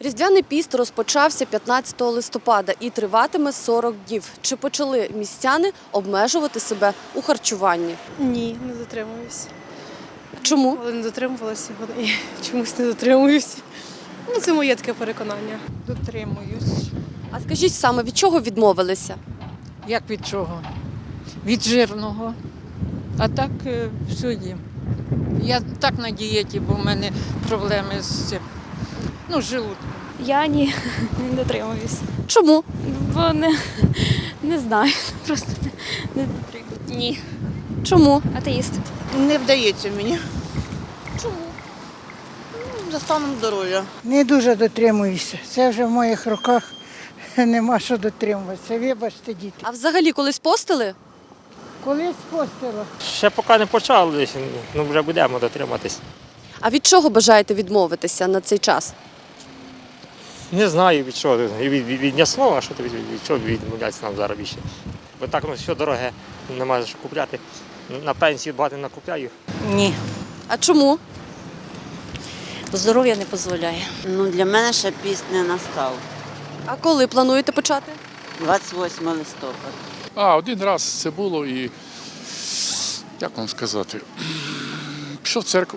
Різдвяний піст розпочався 15 листопада і триватиме 40 днів. Чи почали містяни обмежувати себе у харчуванні? Ні, не дотримуюсь. Чому? Але не дотримувалася і чомусь не дотримуюсь. Ну, це моє таке переконання. Дотримуюсь. А скажіть саме, від чого відмовилися? Як від чого? Від жирного. А так все їм. Я так на дієті, бо в мене проблеми з цим. Ну, з желудком. Я ні, не дотримуюсь. Чому? Бо не знаю, просто не дотримуюсь. Ні. Чому? Атеїст. Не вдається мені. Чому? За станом здоров'я. Не дуже дотримуюся. Це вже в моїх руках нема що дотримуватися. Вибачте, діти. А взагалі колись постили? Колись постила. Ще поки не почали, ну вже будемо дотриматись. А від чого бажаєте відмовитися на цей час? Не знаю від чого. Від м'ясного, а що то від чого відмовлятися нам зараз більше. Бо так ну, все дороге, немає що купляти. На пенсію багато не накупляю. Ні, А чому? здоров'я не дозволяє. Ну, для мене ще піст не настав. А коли плануєте почати? 28 листопада. Один раз це було і, як вам сказати, пішов в церкву,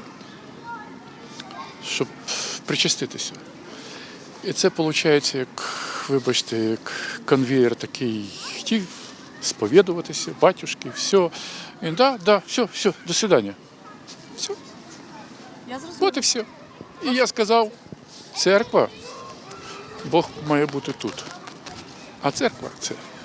щоб причаститися. І це виходить, як, вибачте, як конвеєр такий, хотів сповідуватися, батюшки, все. І все, до свидання. Все. Я зрозуміла. От і все. І я сказав, церква, Бог має бути тут. А церква це